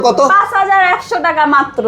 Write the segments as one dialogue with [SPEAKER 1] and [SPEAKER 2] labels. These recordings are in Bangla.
[SPEAKER 1] কত
[SPEAKER 2] 5100 টাকা মাত্র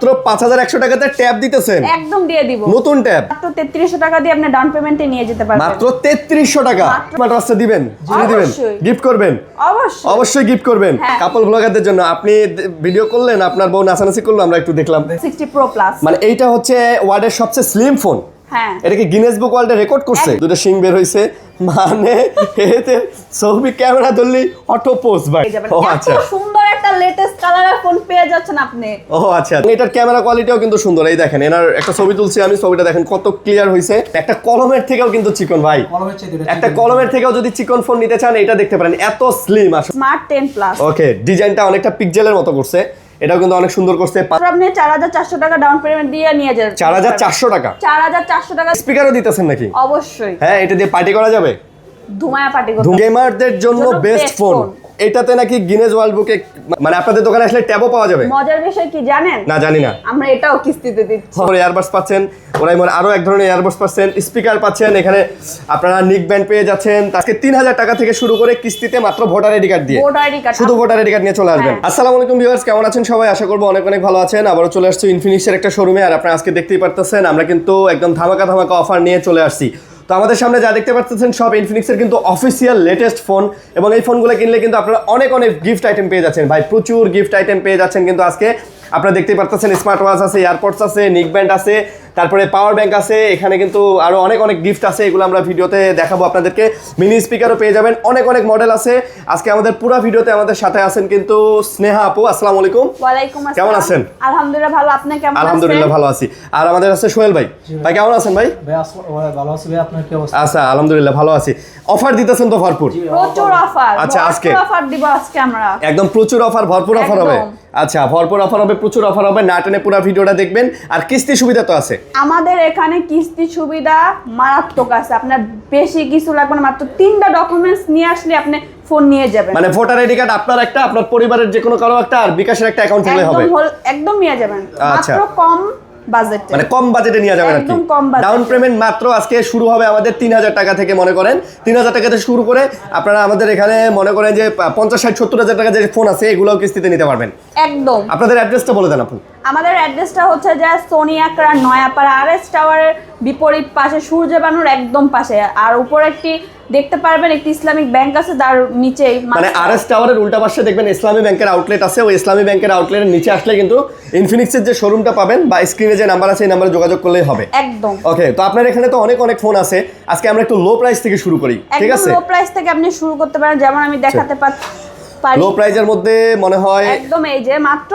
[SPEAKER 1] 5100 টাকাতে ট্যাব দিতেছেন
[SPEAKER 2] একদম দিয়ে দিব
[SPEAKER 1] নতুন ট্যাব
[SPEAKER 2] মাত্র 3300 টাকা দিয়ে আপনি ডাউন পেমেন্টে নিয়ে যেতে পারবেন
[SPEAKER 1] মাত্র 3300 টাকা স্মার্ট ওয়াচটা দিবেন দিবেন গিফট করবেন অবশ্যই গিফট করবেন কাপল ব্লগারদের জন্য আপনি ভিডিও করলেন আপনার বউ নাচানাচি করলো আমরা একটু দেখলাম
[SPEAKER 2] 60 প্রো প্লাস
[SPEAKER 1] মানে এইটা হচ্ছে ওয়ার্ল্ডের সবচেয়ে স্লিম ফোন
[SPEAKER 2] হ্যাঁ
[SPEAKER 1] এটা কি গিনেস বুক ওয়ার্ল্ডে রেকর্ড করছে দুটো সিং বের হইছে মানে এতে ছবি ক্যামেরা ধরলি অটো পোস্ট ভাই ও আচ্ছা
[SPEAKER 2] এত সুন্দর একটা লেটেস্ট কালারের ফোন পেয়ে যাচ্ছেন আপনি
[SPEAKER 1] ও আচ্ছা এটার ক্যামেরা কোয়ালিটিও কিন্তু সুন্দর এই দেখেন এনার একটা ছবি তুলছি আমি ছবিটা দেখেন কত ক্লিয়ার হইছে একটা কলমের থেকেও কিন্তু চিকন ভাই একটা কলমের থেকেও যদি চিকন ফোন নিতে চান এটা দেখতে পারেন এত স্লিম আসলে
[SPEAKER 2] স্মার্ট 10 প্লাস
[SPEAKER 1] ওকে ডিজাইনটা অনেকটা পিক্সেলের মতো করছে এটাও কিন্তু অনেক সুন্দর করছে
[SPEAKER 2] আপনি 4400 টাকা ডাউন পেমেন্ট দিয়ে নিয়ে যান
[SPEAKER 1] 4400 টাকা
[SPEAKER 2] 4400 টাকা
[SPEAKER 1] স্পিকারও দিতেছেন নাকি
[SPEAKER 2] অবশ্যই
[SPEAKER 1] হ্যাঁ এটা দিয়ে পার্টি করা যাবে
[SPEAKER 2] ধুমায়া পার্টি করতে
[SPEAKER 1] গেমারদের জন্য বেস্ট ফোন এটাতে নাকি গিনেস ওয়ার্ল্ড বুকে মানে আপনাদের দোকানে আসলে ট্যাবও পাওয়া যাবে
[SPEAKER 2] মজার বিষয় কি জানেন
[SPEAKER 1] না জানি না
[SPEAKER 2] আমরা এটাও কিস্তিতে দিচ্ছি
[SPEAKER 1] ইয়ারবাডস পাচ্ছেন ওরাই মানে আরো এক ধরনের ইয়ারবাডস পাচ্ছেন স্পিকার পাচ্ছেন এখানে আপনারা নিক ব্যান্ড পেয়ে যাচ্ছেন আজকে 3000 টাকা থেকে শুরু করে কিস্তিতে মাত্র ভোটার আইডি কার্ড দিয়ে শুধু ভোটার আইডি কার্ড নিয়ে চলে আসবেন আসসালামু আলাইকুম ভিউয়ার্স কেমন আছেন সবাই আশা করব অনেক অনেক ভালো আছেন আবারো চলে আসছি ইনফিনিক্সের একটা শোরুমে আর আপনারা আজকে দেখতেই পারতেছেন আমরা কিন্তু একদম ধামাকা অফার নিয়ে চলে আসছি তো আমাদের সামনে যা দেখতে পাচ্ছেন সব ইনফিনিক্সের কিন্তু অফিসিয়াল লেটেস্ট ফোন এবং এই ফোনগুলো কিনলে কিন্তু আপনারা অনেক অনেক গিফট আইটেম পেয়ে যাচ্ছেন ভাই প্রচুর গিফট আইটেম পেয়ে যাচ্ছেন কিন্তু আজকে আপনারা দেখতেই পাচ্ছেন স্মার্ট ওয়াচ আছে এয়ারপডস আছে নিক ব্যান্ড আছে তারপরে পাওয়ার ব্যাংক আছে এখানে কিন্তু আরো অনেক অনেক গিফট আছে এগুলো আমরা ভিডিওতে দেখাবো আপনাদেরকে মিনি স্পিকারও পেয়ে যাবেন অনেক অনেক মডেল আছে আজকে আমাদের পুরো ভিডিওতে আমাদের সাথে আছেন কিন্তু স্নেহা আপু আসসালামু আলাইকুম
[SPEAKER 2] ওয়ালাইকুম আসসালাম
[SPEAKER 1] কেমন আছেন
[SPEAKER 2] আলহামদুলিল্লাহ ভালো আপনি কেমন আছেন
[SPEAKER 1] আলহামদুলিল্লাহ ভালো আছি আর আমাদের আছে সোহেল ভাই ভাই কেমন আছেন ভাই
[SPEAKER 3] ভালো আছি ভাই আপনার কি অবস্থা
[SPEAKER 1] আচ্ছা আলহামদুলিল্লাহ ভালো আছি অফার দিতেছেন তো ভরপুর
[SPEAKER 2] প্রচুর অফার
[SPEAKER 1] আচ্ছা আজকে
[SPEAKER 2] অফার দিব আজকে আমরা
[SPEAKER 1] একদম প্রচুর অফার ভরপুর অফার হবে আচ্ছা ভরপুর অফার হবে প্রচুর অফার হবে না টেনে পুরো ভিডিওটা দেখবেন আর কিস্তি সুবিধা তো আছে
[SPEAKER 2] আমাদের এখানে কিস্তি সুবিধা মারাত্মক আছে আপনার বেশি কিছু লাগবে না মাত্র 3টা ডকুমেন্টস নিয়ে আসলে আপনি ফোন নিয়ে যাবেন
[SPEAKER 1] মানে ভোটার আইডি কার্ড আপনার একটা আপনার পরিবারের যে কোনো কারো একটা আর বিকাশের একটা অ্যাকাউন্ট হলে হবে
[SPEAKER 2] একদম নিয়ে যাবেন
[SPEAKER 1] আচ্ছা
[SPEAKER 2] মাত্র কম বাজেটে
[SPEAKER 1] মানে কম বাজেটে নিয়ে যাবেন আর কি ডাউন পেমেন্ট মাত্র আজকে শুরু হবে আমাদের 3000 টাকা থেকে মনে করেন 3000 টাকা থেকে শুরু করে আপনারা আমাদের এখানে মনে করেন যে 50 60 70000 টাকা যে ফোন আছে এগুলোও কিস্তিতে নিতে পারবেন
[SPEAKER 2] একদম
[SPEAKER 1] আপনাদের অ্যাড্রেসটা বলে দেন আপনি
[SPEAKER 2] আমাদের অ্যাড্রেসটা হচ্ছে যে সোনিয়াকড়া নয়াপাড়া আরএস টাওয়ারের বিপরীত পাশে সূর্য বানুর একদম পাশে আর উপরে একটি দেখতে পারবেন একটি ইসলামিক ব্যাংক আছে তার নিচেই
[SPEAKER 1] মানে আরএস টাওয়ারের উল্টা পাশে দেখবেন ইসলামী ব্যাংকের আউটলেট আছে ওই ইসলামী ব্যাংকের আউটলেটের নিচে আসলে কিন্তু ইনফিনিক্সের যে শোরুমটা পাবেন বা স্ক্রিনে যে নাম্বার আছে এই নাম্বারে যোগাযোগ করলেই হবে
[SPEAKER 2] একদম
[SPEAKER 1] ওকে তো আপনার এখানে তো অনেক অনেক ফোন আছে আজকে আমরা একটু লো প্রাইস থেকে শুরু করি ঠিক আছে
[SPEAKER 2] লো প্রাইস থেকে আপনি শুরু করতে পারেন যেমন আমি দেখাতে পারি
[SPEAKER 1] লো প্রাইজের মধ্যে মনে হয়
[SPEAKER 2] একদম এই যে মাত্র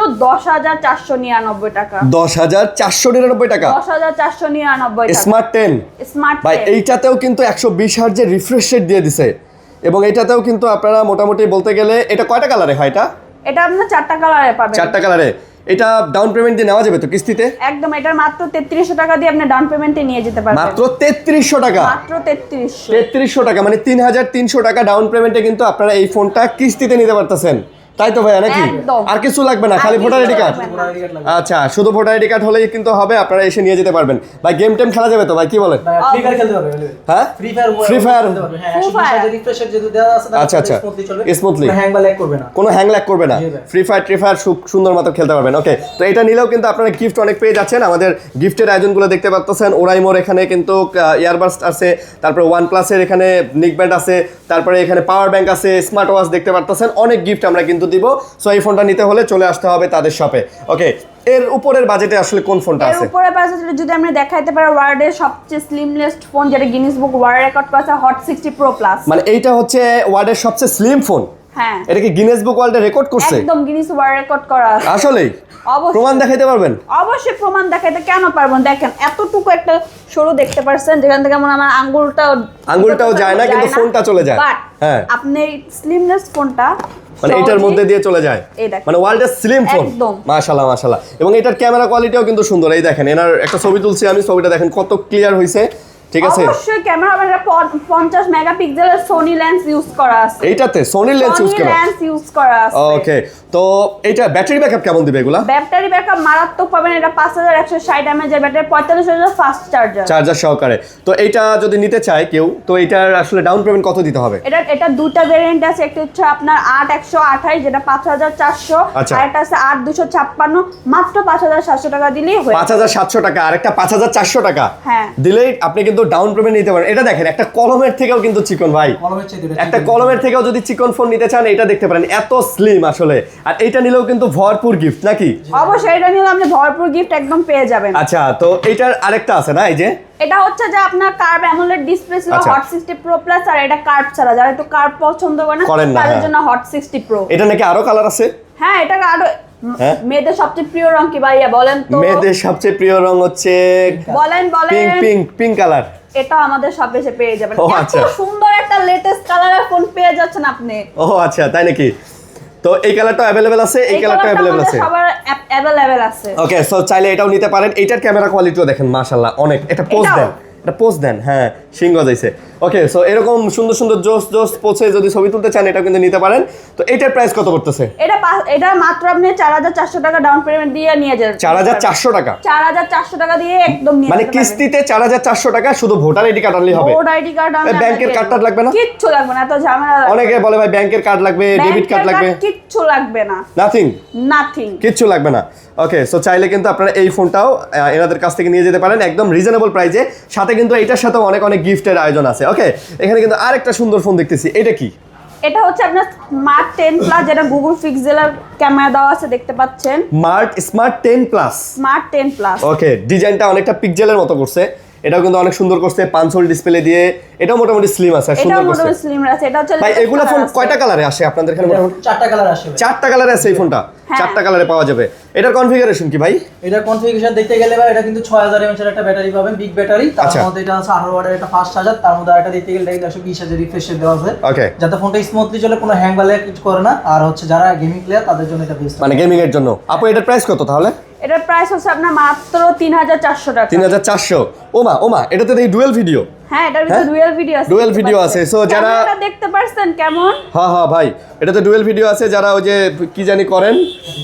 [SPEAKER 2] 10499 টাকা
[SPEAKER 1] 10499 টাকা
[SPEAKER 2] 10499 টাকা
[SPEAKER 1] স্মার্ট 10 ভাই এইটাতেও কিন্তু 120 হার্জের রিফ্রেশ রেট দিয়ে দিছে এবং এইটাতেও কিন্তু আপনারা মোটামুটি বলতে গেলে এটা কয়টা কালারে হয়
[SPEAKER 2] এটা আপনারা 4টা কালারে পাবেন
[SPEAKER 1] 4টা কালারে এটা ডাউন পেমেন্ট দিয়ে নেওয়া যাবে তো কিস্তিতে
[SPEAKER 2] একদম এটা মাত্র 3300 টাকা দিয়ে আপনি ডাউন পেমেন্টে নিয়ে যেতে পারবেন
[SPEAKER 1] মাত্র 3300 টাকা
[SPEAKER 2] মাত্র 3300
[SPEAKER 1] টাকা মানে 3300 টাকা ডাউন পেমেন্টে কিন্তু আপনারা এই ফোনটা কিস্তিতে নিতে পারতেছেন তাই তো ভাইয়া নাকি আর কিছু লাগবে না খালি ভোটার আইডি কার্ড আচ্ছা শুধু ভোটার আইডি কার্ড হলেই কিন্তু হবে আপনারা এসে নিয়ে যেতে পারবেন ভাই গেম টেম খেলা যাবে তো ভাই কি বলেন
[SPEAKER 3] ফ্রি ফায়ার খেলতে পারবে
[SPEAKER 1] হ্যাঁ ফ্রি ফায়ার
[SPEAKER 3] হ্যাঁ রিফ্রেশার যদি দেওয়া আছে
[SPEAKER 1] আচ্ছা আচ্ছা স্মুথলি
[SPEAKER 3] হ্যাং বা ল্যাগ করবে না
[SPEAKER 1] কোনো হ্যাং ল্যাগ করবে না ফ্রি ফায়ার সুন্দর মতো খেলতে পারবেন ওকে তো এটা নিলেও কিন্তু আপনারা গিফট অনেক পেয়ে যাচ্ছেন আমাদের গিফটের আয়োজনগুলো দেখতে পাচ্ছেন ওরাইমোর এখানে কিন্তু ইয়ারবাডস আছে তারপরে OnePlus এর এখানে নিক ব্যান্ড আছে তারপরে এখানে পাওয়ার ব্যাংক আছে স্মার্ট ওয়াচ দেখতে পাচ্ছেন অনেক গিফট আমরা কিন্তু দিব সো এই ফোনটা নিতে হলে চলে আসতে হবে তাদের শপে ওকে এর উপরের বাজেটে আসলে কোন ফোনটা আছে
[SPEAKER 2] এর উপরের বাজেটে যদি আমরা দেখাইতে পারি ওয়ার্ল্ডের সবচেয়ে স্লিমলেস্ট ফোন যেটা গিনেস বুক ওয়ার্ল্ড রেকর্ড করেছে হট 60 প্রো প্লাস
[SPEAKER 1] মানে এইটা হচ্ছে ওয়ার্ল্ডের সবচেয়ে স্লিম ফোন
[SPEAKER 2] হ্যাঁ
[SPEAKER 1] এটা কি গিনেস বুক ওয়ার্ল্ডে রেকর্ড করছে
[SPEAKER 2] একদম গিনেস ওয়ার্ল্ড রেকর্ড করা আছে
[SPEAKER 1] আসলেই
[SPEAKER 2] অবশ্যই
[SPEAKER 1] প্রমাণ দেখাইতে পারবেন
[SPEAKER 2] অবশ্যই প্রমাণ দেখাইতে কেন পারবেন দেখেন এতটুকু একটা সরু দেখতে পারছেন যেখান থেকে মনে আমার আঙ্গুলটাও
[SPEAKER 1] যায় না কিন্তু ফোনটা চলে যায়
[SPEAKER 2] হ্যাঁ আপনি স্লিমলেস ফোনটা
[SPEAKER 1] মানে এটার মধ্যে দিয়ে চলে যায় মানে ওয়ার্ল্ডের স্লিম ফোন মাশাআল্লাহ মাশাআল্লাহ এবং এটার ক্যামেরা কোয়ালিটিও কিন্তু সুন্দর এই দেখেন এনার একটা ছবি তুলছি আমি ছবিটা দেখেন কত ক্লিয়ার হইছে ঠিক আছে?
[SPEAKER 2] অবশ্যই ক্যামেরা মানে 50 মেগাপিক্সেলের সোনি লেন্স ইউজ করা আছে।
[SPEAKER 1] এইটাতে সোনি লেন্স ইউজ করা,
[SPEAKER 2] লেন্স ইউজ করা আছে।
[SPEAKER 1] ওকে, তো এটা ব্যাটারি ব্যাকআপ কেমন দিবে এগুলা?
[SPEAKER 2] ব্যাটারি ব্যাকআপ মারাত্মক পাবেন। এটা 5160 mAh এর ব্যাটারি, 45000 ফাস্ট
[SPEAKER 1] চার্জার সহকারে। তো এইটা যদি নিতে চায় কেউ, তো এটার আসলে ডাউন পেমেন্ট কত দিতে হবে?
[SPEAKER 2] এটা দুটা ভেরিয়েন্ট আছে। একটা হচ্ছে আপনার 8128 যেটা 5400,
[SPEAKER 1] আচ্ছা।
[SPEAKER 2] আর একটা আছে 8256 মাত্র 5700 টাকা দিলেই হয়ে
[SPEAKER 1] 5700 টাকা, আর একটা 5400 টাকা
[SPEAKER 2] হ্যাঁ
[SPEAKER 1] দিলেই আপনি কিন্তু ডাউন পেমেন্ট নিতে পারেন। এটা দেখেন, একটা কলমের থেকেও কিন্তু চিকন ভাই,
[SPEAKER 3] কলমের চেয়ে দুটো
[SPEAKER 1] একটা কলমের থেকেও যদি চিকন ফোন নিতে চান এটা দেখতে পারেন, এত স্লিম আসলে। আর এইটা নিলেও কিন্তু ভরপুর গিফট নাকি?
[SPEAKER 2] অবশ্যই এটা নিলে আপনি ভরপুর গিফট একদম পেয়ে যাবেন।
[SPEAKER 1] আচ্ছা, তো এইটার আরেকটা আছে না, এই যে
[SPEAKER 2] এটা হচ্ছে যে আপনার কার্ভ অ্যামোলেড ডিসপ্লে ছিল
[SPEAKER 1] আচ্ছা।
[SPEAKER 2] হট 60 প্রো প্লাস, আর এটা কার্ভ ছাড়া, যারা একটু কার্ভ পছন্দ করেন
[SPEAKER 1] না,
[SPEAKER 2] তাদের
[SPEAKER 1] হ্যাঁ।
[SPEAKER 2] জন্য হট 60 প্রো।
[SPEAKER 1] এটা নাকি আরো কালার আছে?
[SPEAKER 2] হ্যাঁ, এটা আরো
[SPEAKER 1] হ্যাঁ?
[SPEAKER 2] মেয়েদের সবচেয়ে প্রিয় রং কি ভাইয়া বলেন তো?
[SPEAKER 1] মেয়েদের সবচেয়ে প্রিয় রং হচ্ছে
[SPEAKER 2] বলেন
[SPEAKER 1] পিঙ্ক কালার।
[SPEAKER 2] এটা আমাদের সব এসে পেয়ে যাবেন।
[SPEAKER 1] ও,
[SPEAKER 2] এত
[SPEAKER 1] আচ্ছা।
[SPEAKER 2] সুন্দর একটা লেটেস্ট কালারের ফোন পেয়ে যাচ্ছেন আপনি।
[SPEAKER 1] ও আচ্ছা, তাই নাকি? তো এই কালারটা अवेलेबल আছে, এই কালারটা अवेलेबल আছে,
[SPEAKER 2] সবার অ্যাভেলেবল আছে।
[SPEAKER 1] ওকে। সো চাইলে এটাও নিতে পারেন। এইটার ক্যামেরা কোয়ালিটিও দেখেন মাশাআল্লাহ অনেক। এটা পোজ
[SPEAKER 2] এটাও?
[SPEAKER 1] দেন, এটা পোজ দেন, হ্যাঁ সিংহ যাইছে। ওকে, সো এরকম সুন্দর সুন্দর জোস পোজে যদি ছবি তুলতে চান এটা কিন্তু নিতে পারেন। তো এইটার প্রাইস কত পড়তেছে?
[SPEAKER 2] এটা মাত্র আপনি 4400 টাকা ডাউন পেমেন্ট দিয়ে নিয়ে যাবেন।
[SPEAKER 1] 4400 টাকা,
[SPEAKER 2] 4400 টাকা দিয়ে একদম নিয়ে
[SPEAKER 1] মানে
[SPEAKER 2] যেতে পারবেন।
[SPEAKER 1] কিস্তিতে 4400 টাকা, শুধু ভোটার আইডি কার্ড আনলেই হবে।
[SPEAKER 2] ভোট আইডি কার্ড আনলে
[SPEAKER 1] ব্যাংকের
[SPEAKER 2] আপনাকে
[SPEAKER 1] কার্ড লাগবে না?
[SPEAKER 2] কিচ্ছু লাগবে না, এত ঝামেলা লাগবে না।
[SPEAKER 1] অনেকে বলে ভাই ব্যাংকের কার্ড লাগবে, ডেবিট কার্ড লাগবে।
[SPEAKER 2] কিচ্ছু লাগবে না,
[SPEAKER 1] নাথিং,
[SPEAKER 2] নাথিং।
[SPEAKER 1] কিচ্ছু লাগবে না। ওকে, সো চাইলে কিন্তু আপনারা এই ফোনটাও এনাদের কাছ থেকে নিয়ে যেতে পারেন একদম রিজনেবল প্রাইসে। সাথে কিন্তু এটার সাথে অনেক অনেক গিফটের আয়োজন আছে। ওকে, এখানে কিন্তু আরেকটা সুন্দর ফোন দেখতেছি, এটা কি?
[SPEAKER 2] এটা হচ্ছে আপনার স্মার্ট 10 প্লাস, যেটা গুগল পিক্সেলের ক্যামেরা দেওয়া আছে দেখতে পাচ্ছেন।
[SPEAKER 1] Smart 10 Plus.
[SPEAKER 2] Smart 10 Plus.
[SPEAKER 1] Okay, ডিজাইনটা অনেকটা পিক্সেলের মতো করছে, এটাও কিন্তু অনেক সুন্দর করছে, 5 হোল ডিসপ্লে দিয়ে। এটাও মোটামুটি স্লিম আছে, আর
[SPEAKER 2] এটাও
[SPEAKER 1] সুন্দর করছে।
[SPEAKER 2] মোটামুটি স্লিম আছে। এটা হচ্ছে
[SPEAKER 1] ভাই
[SPEAKER 2] latest
[SPEAKER 1] এগুলা
[SPEAKER 2] color
[SPEAKER 1] ফোন
[SPEAKER 2] আছে।
[SPEAKER 1] কয়টা কালারে আসে আপনাদের এখানে?
[SPEAKER 3] চারটা কালার আসে ভাই।
[SPEAKER 1] 4টা কালারে আছে এই ফোনটা,
[SPEAKER 2] হ্যাঁ।
[SPEAKER 1] 4টা কালারে পাওয়া যাবে। এটার কনফিগারেশন কি ভাই?
[SPEAKER 3] এটা কনফিগারেশন দেখতে গেলে ভাই এটা কিন্তু 6000 mAh এর একটা ব্যাটারি পাবেন, বিগ ব্যাটারি। তার
[SPEAKER 1] আচ্ছা।
[SPEAKER 3] মধ্যে এটা আছে 18 ওয়াটের একটা ফাস্ট চার্জার, তার মধ্যে আরেকটা দেখতে গেলে 120,000 রিফ্রেশ রেট দেওয়া আছে।
[SPEAKER 1] ওকে,
[SPEAKER 3] যাতে ফোনটা স্মুথলি চলে, কোনো হ্যাং বা ল্যাগ কিছু করে না। আর হচ্ছে যারা গেমিং প্লেয়ার তাদের জন্য এটা বেস্ট।
[SPEAKER 1] মানে গেমিং এর জন্য। আপু এটার প্রাইস কত তাহলে?
[SPEAKER 2] এটার প্রাইস হচ্ছে আপনার মাত্র 3400 টাকা।
[SPEAKER 1] 3400। ওমা, এটাতে দেখি ডুয়েল ভিডিও।
[SPEAKER 2] হ্যাঁ, এটার ভিতরে ডুয়াল ভিডিও আছে।
[SPEAKER 1] ডুয়াল
[SPEAKER 2] দেখতে
[SPEAKER 1] ভিডিও আছে।
[SPEAKER 2] পাচ্ছেন।
[SPEAKER 1] সো যারা
[SPEAKER 2] ক্যামেরাটা দেখতে পারছেন কেমন?
[SPEAKER 1] হ্যাঁ ভাই, এটাতে ডুয়েল ভিডিও আছে। যারা ওই যে কি জানি করেন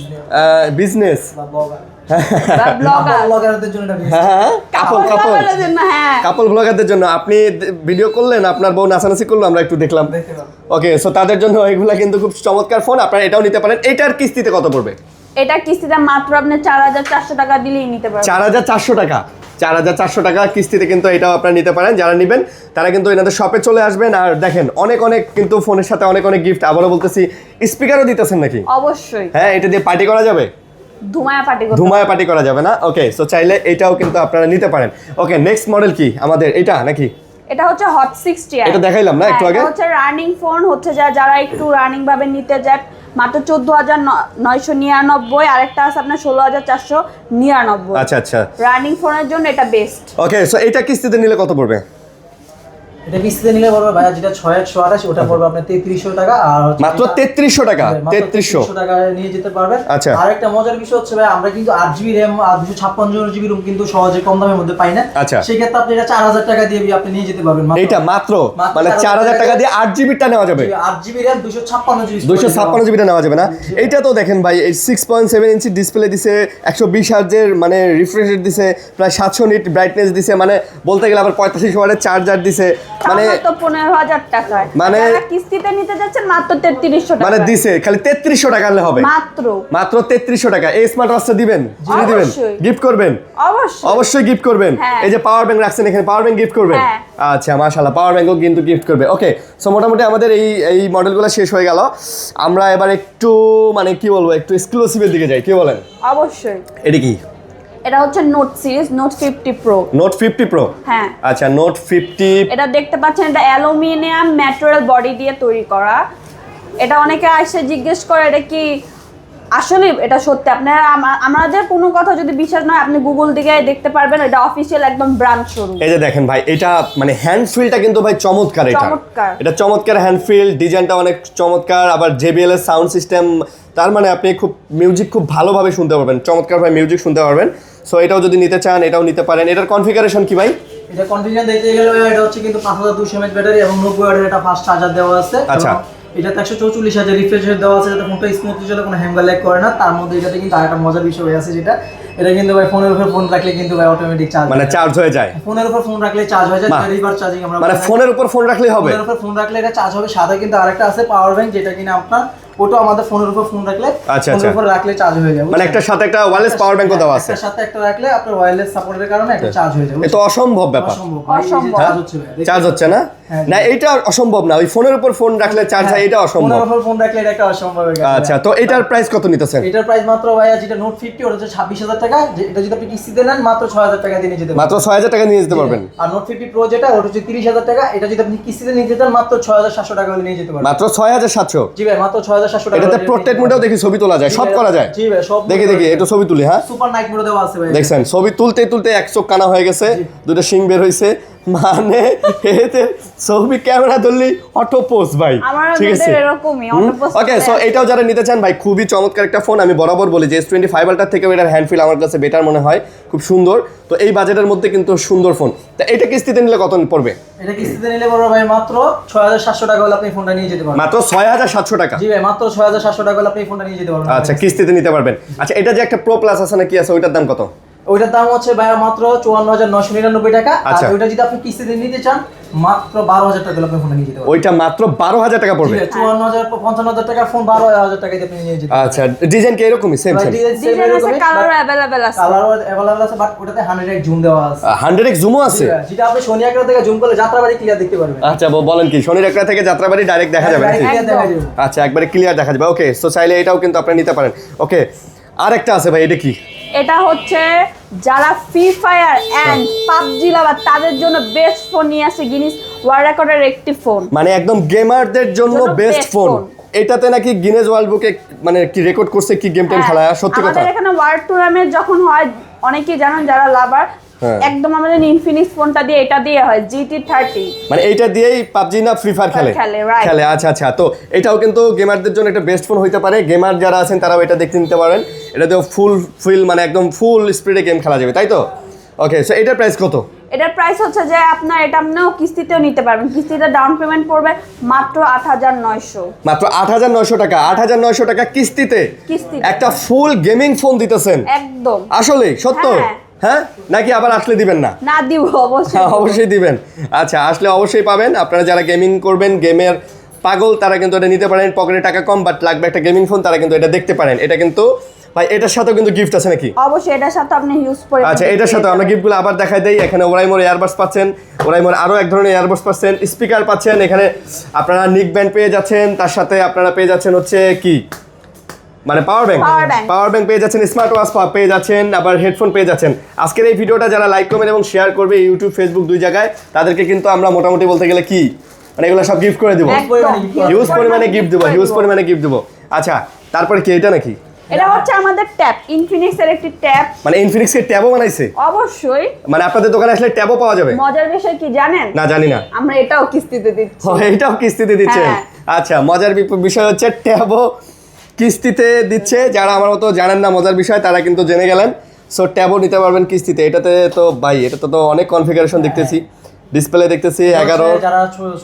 [SPEAKER 1] বিজনেস,
[SPEAKER 3] বা ব্লগার,
[SPEAKER 2] বা ব্লগার,
[SPEAKER 3] ব্লগারদের জন্য এটা বেস্ট।
[SPEAKER 1] হ্যাঁ কাপল
[SPEAKER 2] ব্লগারদের জন্য, হ্যাঁ।
[SPEAKER 1] কাপল ব্লগারদের জন্য। আপনি ভিডিও করলেন, আপনার বউ নাচানাচি করলো, আমরা একটু দেখলাম।
[SPEAKER 3] দেখতে পারো।
[SPEAKER 1] ওকে, সো তাদের জন্য এগুলা কিন্তু খুব চমৎকার ফোন, আপনারা এটাও নিতে পারেন। এটার কিস্তিতে কত পড়বে?
[SPEAKER 2] এটা কিস্তিতে মাত্র আপনি 4400 টাকা দিলেই নিতে পারবেন।
[SPEAKER 1] 4400 টাকা, 4400 টাকা কিস্তিতে কিন্তু এটাও আপনারা নিতে পারেন। যারা নেবেন তারা কিন্তু এনাদের শপে চলে আসবেন। আর দেখেন অনেক অনেক কিন্তু ফোনের সাথে অনেক অনেক গিফট। আবারও বলতেছি, স্পিকারও দিতেছেন নাকি?
[SPEAKER 2] অবশ্যই
[SPEAKER 1] হ্যাঁ, এটা দিয়ে পার্টি করা যাবে,
[SPEAKER 2] ধুমায়া পার্টি করতে।
[SPEAKER 1] ধুমায় পার্টি করা যাবে না? ওকে, সো চাইলে এটাও কিন্তু আপনারা নিতে পারেন। ওকে, নেক্সট মডেল কি আমাদের? এটা নাকি?
[SPEAKER 2] এটা হচ্ছে হট 60।
[SPEAKER 1] এটা দেখাইলাম না একটু আগে?
[SPEAKER 2] এটা হচ্ছে রানিং ফোন, হচ্ছে যারা একটু রানিং ভাবে নিতে যায় মাত্র 14999। আরেকটা আছে আপনার 16499।
[SPEAKER 1] আচ্ছা।
[SPEAKER 2] রানিং ফোনের জন্য এটা বেস্ট।
[SPEAKER 1] ওকে, সো এটা কিস্তিতে নিলে কত পড়বে?
[SPEAKER 3] এটা কিস্তিতে নিলে পড়বে ভাইয়া, যেটা 6128 ওটা পড়বে আপনার 3300 টাকা। আর হচ্ছে
[SPEAKER 1] মাত্র
[SPEAKER 3] এটা-
[SPEAKER 1] 3300 টাকা?
[SPEAKER 3] মাত্র
[SPEAKER 1] 3300
[SPEAKER 3] টাকা নিয়ে যেতে পারবেন।
[SPEAKER 1] আচ্ছা।
[SPEAKER 3] আর একটা মজার বিষয় হচ্ছে ভাই, আমরা কিন্তু 8GB RAM আর 256GB ROM কিন্তু সহজে কম দামের মধ্যে পাই না।
[SPEAKER 1] আচ্ছা।
[SPEAKER 3] সেই ক্ষেত্রে আপনি এটা 4000 টাকা দিয়ে আপনি নিয়ে যেতে পারবেন।
[SPEAKER 1] এইটা মাত্র
[SPEAKER 3] মাত্র
[SPEAKER 1] মানে 4000 টাকা দিয়ে 8GB টা নেওয়া যাবে।
[SPEAKER 3] 8GB RAM 256GB
[SPEAKER 1] 256GB টা নেওয়া যাবে না? এইটা তো দেখেন ভাই, এই 6.7 ইঞ্চি ডিসপ্লে দিছে, 120 হার্জের মানে রিফ্রেশ রেট দিছে, প্রায় 700 নিট ব্রাইটনেস দিছে, মানে বলতে গেলে আবার 45 ওয়াটের চার্জার দিছে, মানে
[SPEAKER 2] মাত্র 15000 টাকায়।
[SPEAKER 1] মানে-
[SPEAKER 2] যারা কিস্তিতে নিতে যাচ্ছেন মাত্র 3300 টাকা।
[SPEAKER 1] মানে দিছে খালি 3300 টাকা হলে হবে।
[SPEAKER 2] মাত্র
[SPEAKER 1] 3300 টাকা। এই স্মার্ট ওয়াচটা দিবেন, ফ্রি দিবেন,
[SPEAKER 2] অবশ্যই।
[SPEAKER 1] গিফট করবেন?
[SPEAKER 2] অবশ্যই।
[SPEAKER 1] অবশ্যই গিফট করবেন।
[SPEAKER 2] হ্যাঁ।
[SPEAKER 1] এই যে পাওয়ার ব্যাংক রাখছেন এখানে, পাওয়ার ব্যাংক গিফট করবেন?
[SPEAKER 2] হ্যাঁ।
[SPEAKER 1] আচ্ছা, মাশাআল্লাহ, পাওয়ার ব্যাংকও কিন্তু গিফট করবে। ওকে, সো মোটামুটি আমাদের এই মডেলগুলো শেষ হয়ে গেল। আমরা এবার একটু মানে কি বলবো, একটু এক্সক্লুসিভের দিকে যাই, কি বলেন?
[SPEAKER 2] অবশ্যই।
[SPEAKER 1] এটা কি?
[SPEAKER 2] এটা হচ্ছে Note series, Note 50 Pro.
[SPEAKER 1] Note 50 Pro?
[SPEAKER 2] হ্যাঁ।
[SPEAKER 1] আচ্ছা, নোট 50।
[SPEAKER 2] এটা দেখতে পাচ্ছেন, এটা অ্যালুমিনিয়াম ম্যাটেরিয়াল বডি দিয়ে তৈরি করা। এটা অনেকে আসে জিজ্ঞেস করে এটা কি আসলে, এটা সত্যি। আপনারা আমাদের কোনো কথা যদি বিশ্বাস নয়, আপনি গুগল দিকে দেখতে পারবেন, এটা অফিসিয়াল একদম ব্র্যান্ড শোরুম।
[SPEAKER 1] এই যে দেখেন ভাই, এটা মানে হ্যান্ড ফিলটা কিন্তু ভাই চমৎকার।
[SPEAKER 2] চমৎকার।
[SPEAKER 1] এটা চমৎকার হ্যান্ড ফিল, ডিজাইনটা অনেক চমৎকার। আবার JBL এর সাউন্ড সিস্টেম, তার মানে আপনি খুব মিউজিক খুব ভালোভাবে শুনতে পারবেন, চমৎকার ভাবে মিউজিক শুনতে পারবেন। সো এটাও যদি নিতে চান এটাও নিতে পারেন। এটার কনফিগারেশন কি ভাই?
[SPEAKER 3] এটা কনফিগারেশন দিতে গেলে এটা হচ্ছে কিন্তু 5200 mAh ব্যাটারি এবং 90 ওয়াটের একটা ফাস্ট চার্জার দেওয়া আছে।
[SPEAKER 1] আচ্ছা।
[SPEAKER 3] এটাতে 144,000 রিফ্রেশ রেট দেওয়া আছে, যাতে ফোনটা স্মুথলি চলে, কোনো হ্যাং বা ল্যাগ করে না। তার মধ্যে এটাতে কিন্তু আরেকটা মজার বিষয় আছে, যেটা এটা কিন্তু ভাই ফোনের উপর ফোন রাখলে কিন্তু ভাই অটোমেটিক চার্জ,
[SPEAKER 1] মানে চার্জ হয়ে যায়।
[SPEAKER 3] ফোনের উপর ফোন রাখলে চার্জ হয়ে যায়, যেটা রিভার্স চার্জিং আমরা
[SPEAKER 1] মানে ফোনের উপর ফোন রাখলেই হবে।
[SPEAKER 3] ফোনের উপর ফোন রাখলে এটা চার্জ হবে। সাথে কিন্তু আরেকটা আছে পাওয়ার ব্যাংক, যেটা কিনা আপনার ওটা আমাদের ফোনের উপর ফোন রাখলে,
[SPEAKER 1] আচ্ছা,
[SPEAKER 3] ফোনের উপর রাখলে চার্জ হয়ে যাবে।
[SPEAKER 1] মানে একটার সাথে একটা ওয়্যারলেস পাওয়ার ব্যাংকও দেওয়া আছে।
[SPEAKER 3] একটার সাথে একটা রাখলে আপনার ওয়্যারলেস সাপোর্টের কারণে একটা চার্জ হয়ে যাবে।
[SPEAKER 1] এটা অসম্ভব ব্যাপার।
[SPEAKER 3] অসম্ভব।
[SPEAKER 2] অসম্ভব।
[SPEAKER 3] চার্জ হচ্ছে ভাই।
[SPEAKER 1] চার্জ হচ্ছে না?
[SPEAKER 3] হ্যাঁ,
[SPEAKER 1] না এটা অসম্ভব না, ওই ফোনের উপর ফোন রাখলে চার্জ হয়, এটা অসম্ভব।
[SPEAKER 3] ফোনের উপর ফোন রাখলে এটা একটা অসম্ভব হয়ে গেছে।
[SPEAKER 1] আচ্ছা, তো এটার প্রাইস কত নিতেছেন?
[SPEAKER 3] এটার প্রাইস মাত্র ভাইয়া যেটা নোট 50 ওটা হচ্ছে 26,000 টাকা। এটা যদি আপনি কিস্তিতে নেন মাত্র 6,000 টাকা দিয়ে নিয়ে যেতে পারবেন।
[SPEAKER 1] মাত্র 6,000 টাকা নিয়ে যেতে পারবেন।
[SPEAKER 3] আর নোট 50 প্রো যেটা ওটা হচ্ছে 30,000 টাকা। এটা যদি আপনি কিস্তিতে নিয়ে যেতেন মাত্র 6,700 টাকা হলে নিয়ে যেতে পারবেন।
[SPEAKER 1] মাত্র 6,700?
[SPEAKER 3] জি ভাই, মাত্র 6,700 টাকা।
[SPEAKER 1] এটাতে পোর্ট্রেট মোডেও দেখি ছবি তোলা যায়, সব করা যায়।
[SPEAKER 3] জি ভাই, সব
[SPEAKER 1] দেখি একটু ছবি তুলি। হ্যাঁ,
[SPEAKER 3] সুপার নাইট মোড দেওয়া আছে ভাই।
[SPEAKER 1] দেখছেন ছবি তুলতে তুলতে এক চোখ কানা হয়ে গেছে, দুটো শিং বের হইছে, মানে এতে ছবি ক্যামেরা ধরলি অটো পোজ ভাই।
[SPEAKER 2] আমার
[SPEAKER 1] ঠিক আছে,
[SPEAKER 2] এরকমই অটো পোস্ট।
[SPEAKER 1] ওকে। সো এটাও যারা নিতে চান ভাই, খুবই চমৎকার একটা ফোন। আমি বরাবর বলি যে S25 আলট্রার থেকেও এটার হ্যান্ড ফিল আমার কাছে বেটার মনে হয়, খুব সুন্দর। তো এই বাজেটের মধ্যে কিন্তু সুন্দর ফোন। তা এটা কিস্তিতে নিলে কত পড়বে?
[SPEAKER 3] এটা কিস্তিতে নিলে বড় ভাই মাত্র 6,700 টাকা হলে আপনি ফোনটা নিয়ে যেতে পারবেন।
[SPEAKER 1] মাত্র 6,700 টাকা?
[SPEAKER 3] জি ভাই, মাত্র 6,700 টাকা হলে আপনি ফোনটা নিয়ে যেতে পারবেন।
[SPEAKER 1] আচ্ছা, কিস্তিতে নিতে পারবেন। আচ্ছা, এটা যে একটা প্রো প্লাস আছে নাকি আছে, ওইটার দাম কত?
[SPEAKER 3] ওইটার দাম হচ্ছে ভাই মাত্র 54,999 টাকা। আর
[SPEAKER 1] আচ্ছা।
[SPEAKER 3] ওইটা যদি আপনি কিস্তিতে নিতে চান মাত্র 12,000 টাকা হলে আপনি ফোনটা নিয়ে যেতে পারবেন।
[SPEAKER 1] ওইটা মাত্র 12,000 টাকা পড়বে?
[SPEAKER 3] 54,000 55,000 টাকা ফোন 12,000 টাকা দিয়ে আপনি নিয়ে যেতে পারবেন।
[SPEAKER 1] আচ্ছা, ডিজাইন কি এরকমই সেম সেম?
[SPEAKER 2] ডিজাইন আছে, কালার अवेलेबल আছে।
[SPEAKER 3] কালার अवेलेबल আছে, বাট ওটাতে 100x জুম দেওয়া আছে।
[SPEAKER 1] 100x জুমও আছে?
[SPEAKER 3] যেটা আপনি সোনি একরা থেকে জুম করলে যাত্রাবাড়ি ক্লিয়ার দেখতে পারবেন।
[SPEAKER 1] আচ্ছা, বলেন কি শনির একটা থেকে যাত্রাবাড়ি ডাইরেক্ট দেখা যাবে নাকি?
[SPEAKER 3] ক্লিয়ার দেখা যাবে।
[SPEAKER 1] আচ্ছা, একবারে ক্লিয়ার দেখা যাবে। ওকে, সো চাইলে এটাও কিন্তু আপনি নিতে পারেন। ওকে, আরেকটা আছে ভাই, এটা কি?
[SPEAKER 2] এটা হচ্ছে যারা Free Fire and PUBG lover তাদের জন্য বেস্ট ফোন নিয়ে আসে গিনিস ওয়ার্ল্ড রেকর্ডের একটি ফোন।
[SPEAKER 1] মানে একদম গেমারদের জন্য বেস্ট
[SPEAKER 2] best
[SPEAKER 1] ফোন।
[SPEAKER 2] phone।
[SPEAKER 1] এটাতে নাকি গিনেস ওয়ার্ল্ড বুকে মানে কি রেকর্ড করছে, কি গেম টেম খেলা, সত্যি কথা?
[SPEAKER 2] আমাদের এখানে ওয়ার্ল্ড টুর্নামেন্ট যখন হয়, অনেকেই জানেন যারা লাভার,
[SPEAKER 1] হ্যাঁ।
[SPEAKER 2] একদম আমাদের ইনফিনিক্স ফোনটা দিয়ে, এটা দিয়ে হয় GT30।
[SPEAKER 1] মানে এইটা দিয়েই পাবজি না ফ্রি ফায়ার খেলে?
[SPEAKER 2] খেলে, right।
[SPEAKER 1] খেলে, আচ্ছা আচ্ছা। তো এটাও কিন্তু গেমারদের জন্য একটা বেস্ট ফোন হইতে পারে। গেমার যারা আছেন তারাও এটা দেখতে নিতে পারেন। এটাতেও ফুল মানে একদম ফুল স্পিডে গেম খেলা যাবে, তাই তো? ওকে, সো এটার প্রাইস কত?
[SPEAKER 2] এটার প্রাইস হচ্ছে যে আপনার এটা আপনিও কিস্তিতেও নিতে পারবেন। কিস্তিতে ডাউন পেমেন্ট পড়বে মাত্র 8,900।
[SPEAKER 1] মাত্র 8,900 টাকা? 8,900 টাকা কিস্তিতে
[SPEAKER 2] কিস্তিতে।
[SPEAKER 1] একটা ফুল গেমিং ফোন দিতেছেন?
[SPEAKER 2] একদম।
[SPEAKER 1] আসলে সত্য?
[SPEAKER 2] হ্যাঁ।
[SPEAKER 1] হ্যাঁ, নাকি আবার আসলে দিবেন না?
[SPEAKER 2] না, দিব অবশ্যই।
[SPEAKER 1] হ্যাঁ, অবশ্যই দিবেন। আচ্ছা, আসলে অবশ্যই পাবেন। আপনারা যারা গেমিং করবেন, গেমের পাগল, তারা কিন্তু এটা নিতে পারেন। পকেটে টাকা কম বাট লাগবে একটা গেমিং ফোন, তারা কিন্তু এটা দেখতে পারেন। এটা কিন্তু ভাই এটার সাথেও কিন্তু গিফট আছে নাকি?
[SPEAKER 2] অবশ্যই এটার সাথে আপনি ইউজ করে।
[SPEAKER 1] আচ্ছা, এটার সাথে আমরা গিফটগুলো আবার দেখাই দেই। এখানে ওরাইমোর এয়ারবাডস পাচ্ছেন, ওরাইমোর আরো এক ধরনের এয়ারবাডস পাচ্ছেন, স্পিকার পাচ্ছেন, এখানে আপনারা নিক ব্যান্ড পেয়ে যাচ্ছেন, তার সাথে আপনারা পেয়ে যাচ্ছেন হচ্ছে কি মানে পাওয়ার ব্যাংক পেয়ে যাচ্ছেন, স্মার্ট ওয়াচ পেয়ে যাচ্ছেন, আবার হেডফোন পেয়ে যাচ্ছেন। আজকের এই ভিডিওটা যারা লাইক কমেন্ট এবং শেয়ার করবে ইউটিউব ফেসবুক দুই জায়গায়, তাদেরকে কিন্তু আমরা মোটামুটি বলতে গেলে কি মানে এগুলো সব গিফট করে দিব, হিউজ পরিমাণে গিফট দেবো। আচ্ছা, তারপরে কি এটা নাকি?
[SPEAKER 2] এটা হচ্ছে আমাদের ট্যাব, ইনফিনিক্স এর একটি ট্যাব।
[SPEAKER 1] মানে ইনফিনিক্স এর ট্যাবও বানাইছে?
[SPEAKER 2] অবশ্যই।
[SPEAKER 1] মানে আপনাদের দোকানে আসলে ট্যাবও পাওয়া যাবে?
[SPEAKER 2] মজার বিষয় কি জানেন?
[SPEAKER 1] না, জানি না।
[SPEAKER 2] আমরা এটাও কিস্তিতে দিচ্ছি।
[SPEAKER 1] ও, এটাও কিস্তিতে দিচ্ছেন?
[SPEAKER 2] হ্যাঁ।
[SPEAKER 1] আচ্ছা, মজার বিষয় হচ্ছে ট্যাবও কিস্তিতে দিচ্ছে। যারা আমার মতো জানেন না মজার বিষয়, তারা কিন্তু জেনে গেলেন। সো ট্যাবও নিতে পারবেন কিস্তিতে। এটাতে তো ভাই, এটা তো অনেক কনফিগারেশন দেখতেছি, ডিসপ্লে দেখতেছি 11।
[SPEAKER 3] যারা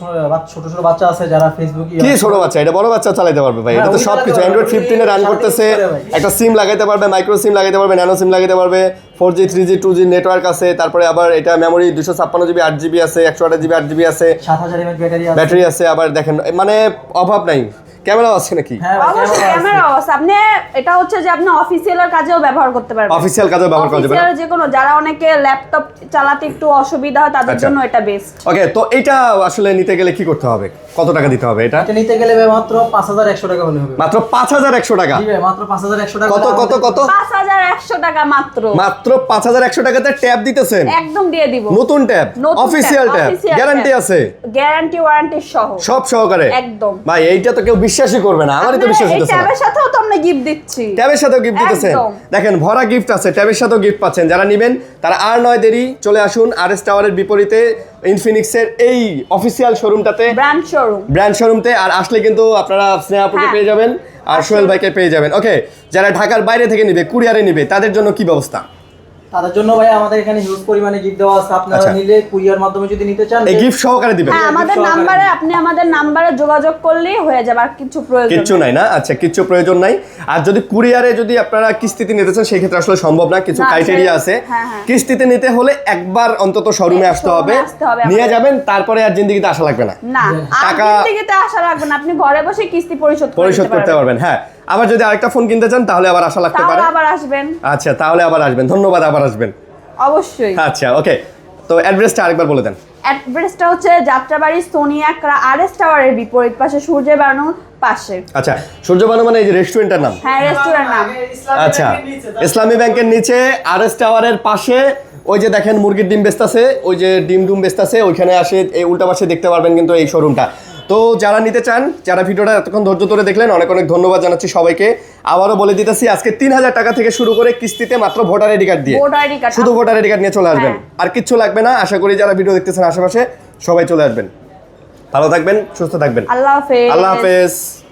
[SPEAKER 3] ছোট ছোট বাচ্চা আছে যারা ফেসবুক
[SPEAKER 1] কি ছোট বাচ্চা? এটা বড় বাচ্চা চালাতে পারবে ভাই। এটা তো সবকিছু অ্যান্ড্রয়েড 15 এ রান করতেছে। একটা সিম লাগাইতে পারবে, মাইক্রো সিম লাগাইতে পারবে, ন্যানো সিম লাগাইতে পারবে, 4G 3G 2G নেটওয়ার্ক আছে। তারপরে আবার এটা মেমোরি 256GB 8GB আছে, 128GB 8GB আছে,
[SPEAKER 3] 7000 mAh
[SPEAKER 1] ব্যাটারি আছে। আবার দেখেন মানে অভাব নাই। ক্যামেরাও আছে নাকি?
[SPEAKER 2] অবশ্যই ক্যামেরাও আছে। আপনি এটা হচ্ছে যে আপনি অফিসিয়ালের কাজেও ব্যবহার করতে পারবেন।
[SPEAKER 1] অফিসিয়াল কাজেও ব্যবহার করা যাবে।
[SPEAKER 2] অফিসিয়াল যে কোনো, যারা অনেকে ল্যাপটপ চালাতে একটু অসুবিধা হয় তাদের জন্য এটা বেস্ট।
[SPEAKER 1] ওকে, তো এটা আসলে নিতে গেলে কি করতে হবে? কত টাকা দিতে হবে এটা?
[SPEAKER 3] এটা নিতে গেলে মাত্র 5100 টাকা হলে হবে।
[SPEAKER 1] মাত্র 5100 টাকা?
[SPEAKER 3] জি ভাই, মাত্র 5100 টাকা।
[SPEAKER 1] কত কত কত?
[SPEAKER 2] 5100 টাকা মাত্র।
[SPEAKER 1] মাত্র 5100 টাকাতে ট্যাব দিতেছেন?
[SPEAKER 2] একদম দিয়ে দিব।
[SPEAKER 1] নতুন ট্যাব, অফিসিয়াল ট্যাব, গ্যারান্টি আছে?
[SPEAKER 2] গ্যারান্টি ওয়ারেন্টি সহ
[SPEAKER 1] সব সহকারে?
[SPEAKER 2] একদম।
[SPEAKER 1] ভাই এইটা তো কেউ বিশ্বাসই করবে না, আমারই তো বিশ্বাস
[SPEAKER 2] এই
[SPEAKER 1] হচ্ছে না।
[SPEAKER 2] ট্যাবের সাথেও তো আমরা গিফট দিচ্ছি।
[SPEAKER 1] ট্যাবের সাথেও গিফট দিতেছেন?
[SPEAKER 2] একদম।
[SPEAKER 1] দেখেন ভরা গিফট আছে, ট্যাবের সাথেও গিফট পাচ্ছেন। যারা নেবেন তারা আর নয় দেরি, চলে আসুন আরএস টাওয়ারের বিপরীতে ইনফিনিক্সের এই অফিসিয়াল শোরুমটাতে, ব্র্যান্ড শোরুমতে। আর আসলে কিন্তু আপনারা স্নেহাপুকে পেয়ে যাবেন আর সোহেল ভাইকে পেয়ে যাবেন। ওকে, যারা ঢাকার বাইরে থেকে নিবে, কুরিয়ারে নিবে, তাদের জন্য কি ব্যবস্থা?
[SPEAKER 3] তাদের জন্য ভাই আমাদের এখানে হিউজ পরিমাণে গিফট দেওয়া আছে, আপনারা
[SPEAKER 1] আচ্ছা।
[SPEAKER 3] নিলে কুরিয়ার মাধ্যমে যদি নিতে চান
[SPEAKER 1] এই গিফট সহকারে দিবেন?
[SPEAKER 2] হ্যাঁ আমাদের
[SPEAKER 3] সহকারে।
[SPEAKER 2] নাম্বারে, আপনি আমাদের নাম্বারে যোগাযোগ করলেই হয়ে যাবে, আর কিছু প্রয়োজন
[SPEAKER 1] কিচ্ছু নাই না? আচ্ছা, কিচ্ছু প্রয়োজন নাই। আর যদি কুরিয়ারে যদি আপনারা কিস্তিতে নিতে চান সেই ক্ষেত্রে আসলে সম্ভব না, কিছু
[SPEAKER 2] না,
[SPEAKER 1] ক্রাইটেরিয়া আছে।
[SPEAKER 2] হ্যাঁ, হ্যাঁ।
[SPEAKER 1] কিস্তিতে নিতে হলে একবার অন্তত শোরুমে আসতে হবে,
[SPEAKER 2] আসতে হবে
[SPEAKER 1] নিয়ে
[SPEAKER 2] আমাদের।
[SPEAKER 1] যাবেন, তারপরে আর জিন্দেগিতে আসা লাগবে না,
[SPEAKER 2] না। আর
[SPEAKER 1] টাকা-
[SPEAKER 2] কিস্তিতে আসা লাগবে না, আপনি ঘরে বসে কিস্তি পরিশোধ
[SPEAKER 1] পরিশোধ করতে পারবেন। হ্যাঁ, আবার যদি আরেকটা ফোন কিনতে চান তাহলে আবার আসা লাগতে পারে।
[SPEAKER 2] তাহলে আবার আসবেন,
[SPEAKER 1] আচ্ছা, তাহলে আবার আসবেন। ধন্যবাদ, আবার আসবেন।
[SPEAKER 2] অবশ্যই।
[SPEAKER 1] আচ্ছা, ওকে। তো অ্যাড্রেসটা আরেকবার বলে দেন।
[SPEAKER 2] অ্যাড্রেসটা হচ্ছে যাত্রাবাড়ি সোনিয়া আরএস টাওয়ারের বিপরীত পাশে, সূর্যের বানুর পাশে।
[SPEAKER 1] আচ্ছা, সূর্যবানু মানে এই যে রেস্টুরেন্টের নাম?
[SPEAKER 2] হ্যাঁ, রেস্টুরেন্ট নাম।
[SPEAKER 1] আচ্ছা, ইসলামী ব্যাংকের নিচে আরএস টাওয়ারের পাশে ওই যে দেখেন মুরগির ডিম বেচতাছে, ওই যে ডিম বেচতাছে, ওইখানে আসে এই উল্টা পাশে দেখতে পারবেন কিন্তু এই শোরুমটা। তো যারা নিতে চান, যারা ভিডিওটা এতক্ষণ ধৈর্য ধরে দেখলেন, অনেক অনেক ধন্যবাদ জানাচ্ছি সবাইকে। আবারও বলে দিতেছি, আজকে 3000 টাকা থেকে শুরু করে কিস্তিতে মাত্র ভোটার আইডি কার্ড দিয়ে,
[SPEAKER 2] ভোটার আইডি কার্ড,
[SPEAKER 1] শুধু ভোটার আইডি কার্ড নিয়ে চলে আসবেন।
[SPEAKER 2] হ্যাঁ।
[SPEAKER 1] আর কিচ্ছু লাগবে না। আশা করি যারা ভিডিও দেখতেছেন আশেপাশে সবাই চলে আসবেন। ভালো থাকবেন, সুস্থ থাকবেন।
[SPEAKER 2] আল্লাহ হাফেজ।
[SPEAKER 1] আল্লাহ হাফেজ।